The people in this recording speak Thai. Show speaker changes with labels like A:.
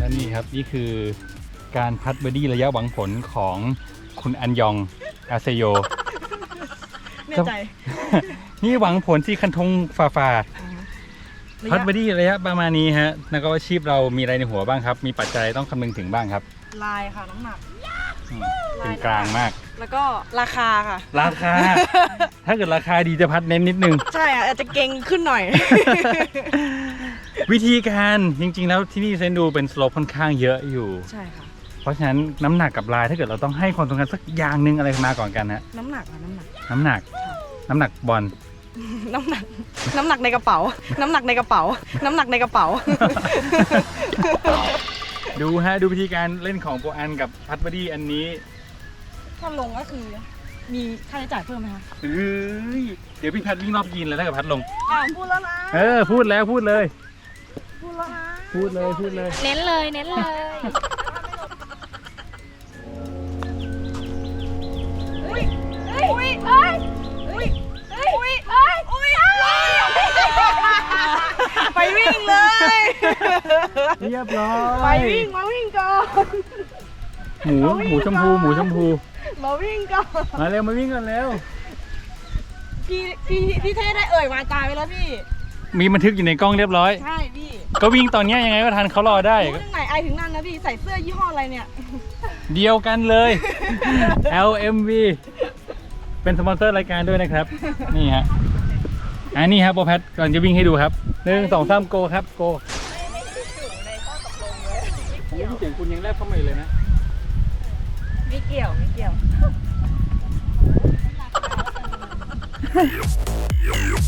A: และนี่ครับนี่คือการพัดเบอร์ดี้ระยะหวังผลของคุณอันยองอาเซโย
B: แน่ใจ
A: นี่หวังผลที่คันธงฝ่าพัดเบอร์ดี้ระยะประมาณนี้ฮะนักอาชีพเรามีอะไรในหัวบ้างครับ มีปัจจัยต้องคำนึงถึงบ้างครับ
B: ลายค่ะน้ำหนัก
A: เป็นกลางมาก
B: แล้วก็ราคาค่ะ
A: ราคา ถ้าเกิดราคาดีจะพัดเน้นนิดนึง
B: ใช่อ่ะอาจจะเก่งขึ้นหน่อย
A: วิธีการจริงๆแล้วที่นี่เซนดูเป็นสโลปค่อนข้างเยอะอยู่
B: ใช่ค่ะ
A: เพราะฉะนั้นน้ำหนักกับลายถ้าเกิดเราต้องให้ความสำคัญสักอย่างหนึ่งอะไรมาก่อนกันฮะ
B: น้ำหนักค่ะน้ำหนัก
A: น้ำหนัก น้ำหนักบอล
B: น้ำหนัก น้ำหนักในกระเป๋า น้ำหนักในกระเป๋า น้ำหนักในกระเป๋า
A: ดูฮะดูวิธีการเล่นของโปรอันกับพัดเบอร์ดี้อันนี้
B: ถ้าลงก็คือมีค่าใช้จ่ายเพิ่มไหมคะ
A: เฮ้ยเดี๋ยวพี่พัดวิ่งรอบยีนเลยถ้าเกิดพัดลง
B: พูดแล้วนะ
A: พูดแล้วพูดเลย
B: พูดแล้วนะ
A: พูดเลยพูดเลย
C: เน้นเลยเน้นเลย
B: อุ้ยเอ้ยอุ้ยเอ้ยอุ้ยเอ้ยอุ้ยเอ้ยอุ้ยไปวิ่งเลย
A: เรียบร้อ
B: ไป
A: ย
B: วิ่งมาวิ่งก่อน
A: หมูชมพูหมูชมพู
B: มาวิ่งก่อน
A: มาเร็วมาวิ่งกันแล้ว
B: พี่เท่ได้เอ่ยวาจาไปแล้วพี่
A: มีบันทึกอยู่ในกล้องเรียบร้อย
B: ใช่พี่
A: ก็วิ่งตอนเนี้ยยังไงก็ทันเขารอได้
B: รู้ถึงไหนไอถึงนั่นนะพี่ใส่เสื้อยี่ห้ออะไรเนี่ย
A: เดียวกันเลย LMV เป็นสปอนเซอร์รายการด้วยนะครับ นี่ฮะอันนี้ครับโปรแพทก่อนจะวิ่งให้ดูครับ1 2 3โกครับโกผมไม่เสียงคุณยังแลบเข้ามาอยู่เลยนะ
B: ไม่เกี่ยวไม่เกี่ยว